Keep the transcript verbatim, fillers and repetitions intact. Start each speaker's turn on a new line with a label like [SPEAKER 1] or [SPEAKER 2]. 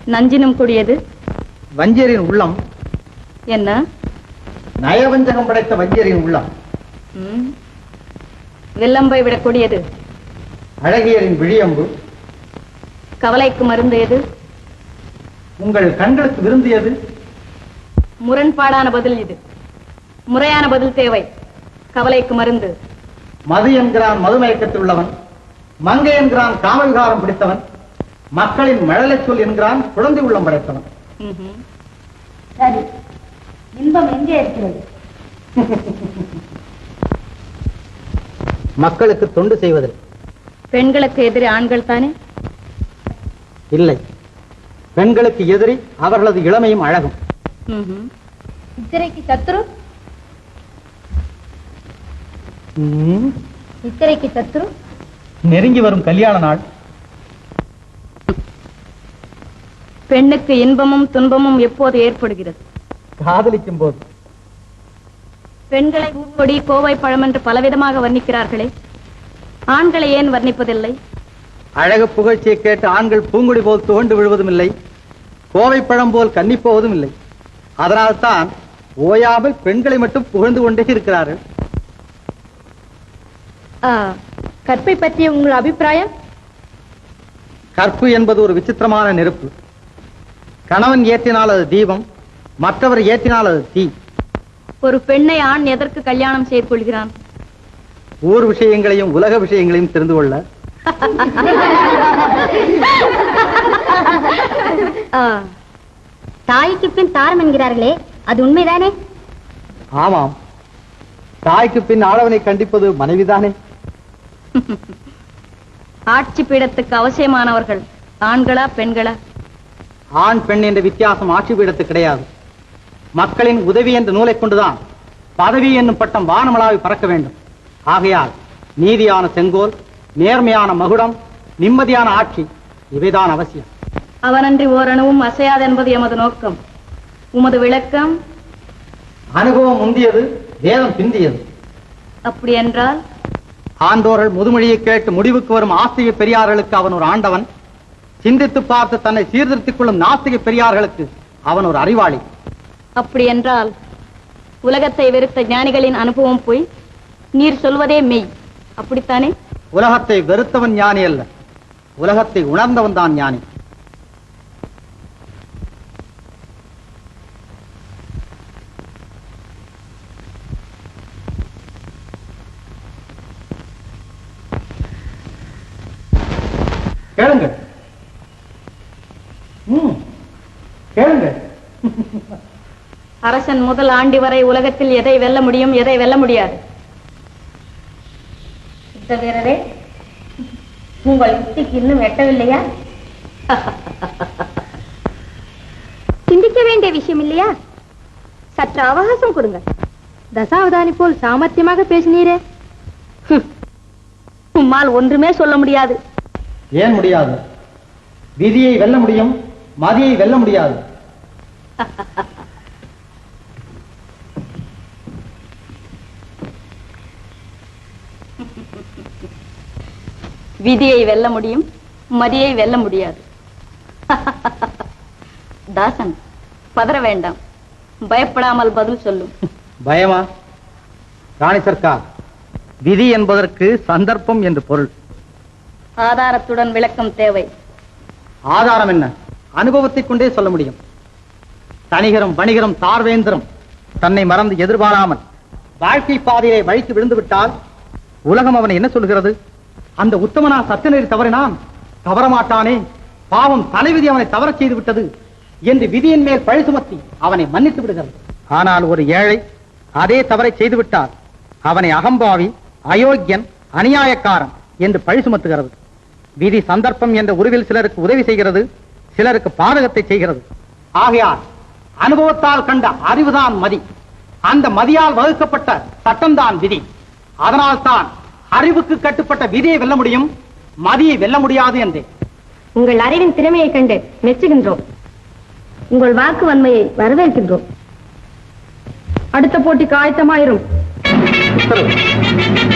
[SPEAKER 1] நஞ்சினும் கூடியது
[SPEAKER 2] வஞ்சியரின் உள்ளம்.
[SPEAKER 1] என்ன?
[SPEAKER 2] நயவஞ்சகம் படைத்த வஞ்சியரின் உள்ளம்.
[SPEAKER 1] வெள்ளம்பை விடக்கூடியது
[SPEAKER 2] அழகியரின் விழியம்பு.
[SPEAKER 1] கவலைக்கு மருந்து எது?
[SPEAKER 2] உங்கள் கண்களுக்கு விருந்தியது.
[SPEAKER 1] முரண்பாடான பதில் இது. முறையான பதில் தேவை. கவலைக்கு மருந்து
[SPEAKER 2] மது என்கிறான் மதுமயக்கத்தில் உள்ளவன், மங்கை என்கிறான் காமவிகாரம் பிடித்தவன், மக்களின் மழலை சொல் என்கிறான் குழந்தை உள்ளம் படைத்தவன்.
[SPEAKER 3] சரி, இன்பம் எங்கே இருக்கிறது?
[SPEAKER 2] மக்களுக்கு தொண்டு செய்வதில்.
[SPEAKER 1] பெண்களுக்கு எதிரி ஆண்கள் தானே?
[SPEAKER 2] இல்லை, பெண்களுக்கு எதிரி அவர்களது இளமையும் அழகும்.
[SPEAKER 3] சித்திரைக்கு சத்துரு? சித்திரைக்கு சத்துரு
[SPEAKER 2] நெருங்கி வரும் கல்யாண நாள்.
[SPEAKER 1] பெண்ணுக்கு இன்பமும் துன்பமும் எப்போது ஏற்படுகிறது?
[SPEAKER 2] காதலிக்கும் போது.
[SPEAKER 1] பெண்களை பூக்கொடி கோவை பழம் என்று பலவிதமாக வர்ணிக்கிறார்களே, ஆண்களை ஏன் வர்ணிப்பதில்லை?
[SPEAKER 2] அழகு புகழ்ச்சியை கேட்டு ஆண்கள் பூங்குடி போல் துவண்டு விழுவதும் இல்லை, கோவை பழம் போல் கன்னிப்போவதும் இல்லை. அதனால்தான் ஓயாமல் பெண்களை மட்டும் புகழ்ந்து கொண்டே இருக்கிறார்கள்.
[SPEAKER 3] கற்பை பற்றிய உங்கள் அபிப்பிராயம்?
[SPEAKER 2] கற்பு என்பது ஒரு விசித்திரமான நெருப்பு. கணவன் ஏற்றினால் அது தீபம், மற்றவர் ஏற்றினால் அது தீ.
[SPEAKER 1] ஒரு பெண்ணை ஆண் எதற்கு கல்யாணம் செய்து கொள்கிறான்?
[SPEAKER 2] ஊர் விஷயங்களையும் உலக விஷயங்களையும் தெரிந்து கொள்ள.
[SPEAKER 3] தாய்க்கு பின் தாரம் என்கிறார்களே, அது உண்மைதானே?
[SPEAKER 2] ஆமாம், தாய்க்கு பின் ஆளவனை கண்டிப்பது மனைவிதானே.
[SPEAKER 1] ஆட்சி பீடத்துக்கு அவசியமானவர்கள் ஆண்களா பெண்களா?
[SPEAKER 2] ஆண் பெண் என்ற வித்தியாசம் ஆட்சி பீடத்துக்கு கிடையாது. மக்களின் உதவி என்ற நூலை கொண்டுதான் பதவி என்னும் பட்டம் வானமளாவி பறக்க வேண்டும். ஆகையால் நீதியான செங்கோல், நேர்மையான மகுடம், நிம்மதியான ஆட்சி இவைதான் அவசியம்.
[SPEAKER 1] அவனன்றி ஓரணுவும் அசையாது என்பது எமது நோக்கம். உமது விளக்கம்?
[SPEAKER 2] அனுபவம் முந்தியது, வேதம் பிந்தியது.
[SPEAKER 1] அப்படி என்றால்
[SPEAKER 2] ஆண்டோர்கள் முதுமொழியை கேட்டு முடிவுக்கு வரும் ஆஸ்திக பெரியார்களுக்கு அவன் ஒரு ஆண்டவன், சிந்தித்து பார்த்து தன்னை சீர்திருத்திக் கொள்ளும் நாஸ்திக பெரியார்களுக்கு அவன் ஒரு அறிவாளி.
[SPEAKER 1] அப்படி என்றால் உலகத்தை வெறுத்த ஞானிகளின் அனுபவம் போய் நீர் சொல்வதே மெய், அப்படித்தானே?
[SPEAKER 2] உலகத்தை வெறுத்தவன் ஞானி அல்ல, உலகத்தை உணர்ந்தவன் தான் ஞானி. கேளுங்கள், கேளுங்கள்.
[SPEAKER 1] அரசன் முதல் ஆண்டி வரை உலகத்தில் எதை வெல்ல முடியும், எதை வெல்ல முடியாது?
[SPEAKER 3] வீரரே, உங்கள் யுக்திக்கு இன்னும் எட்டவில்லையா? சிந்திக்க வேண்டிய விஷயம் இல்லையா? சற்று அவகாசம் கொடுங்க. தசாவதானி போல் சாமர்த்தியமாக பேசினீரே.
[SPEAKER 1] உம்மால் ஒன்றுமே சொல்ல முடியாது.
[SPEAKER 2] ஏன் முடியாது? விதியை வெல்ல முடியும், மதியை வெல்ல முடியாது.
[SPEAKER 1] விதியை வெல்ல முடியும், மதியை வெல்ல முடியாது. தாசன், பதற வேண்டாம், பயப்படாமல் பதில் சொல்லும்.
[SPEAKER 2] பயமா? ராணி சர்க்கார், விதி என்பதற்கு சந்தர்ப்பம் என்று பொருள்.
[SPEAKER 1] ஆதாரத்துடன் விளக்கம் தேவை.
[SPEAKER 2] ஆதாரம் என்ன? அனுபவத்தை கொண்டே சொல்ல முடியும். தனிகரம், வணிகரம், தார்வேந்திரம் தன்னை மறந்து எதிர்பாராமல் வாழ்க்கை பாதையை வழித்து விழுந்து விட்டால் உலகம் அவனை என்ன சொல்கிறது? அந்த உத்தமனா சத்தியநெறி தவறினான், தவறமாட்டானே, பாவம் தலைவிதி அவனை தவறச் செய்து விட்டது என்று விதியின் மேல் பழி சுமத்தி அவனை மன்னித்து விடுகிறது. ஆனால் ஒரு ஏழை அதே தவறை செய்துவிட்டால் அவனை அகம்பாவி, அயோக்கியன், அநியாயக்காரன் என்று பழி சுமத்துகிறது. விதி சந்தர்ப்பம் என்ற உருவில் சிலருக்கு உதவி செய்கிறது, சிலருக்கு பாதகத்தை செய்கிறது. ஆகையால் அனுபவத்தால் கண்ட அறிவுதான் மதி, அந்த மதியால் வகுக்கப்பட்ட சட்டம்தான் விதி. அதனால் தான் அறிவுக்கு கட்டுப்பட்ட விதியை வெல்ல முடியும், மதியை வெல்ல முடியாது என்றே.
[SPEAKER 3] உங்கள் அறிவின் திறமையை கண்டு மெச்சுகின்றோம். உங்கள் வாக்கு வன்மையை வரவேற்கின்றோம். அடுத்த போட்டிக்கு ஆயத்தமாயிரும்.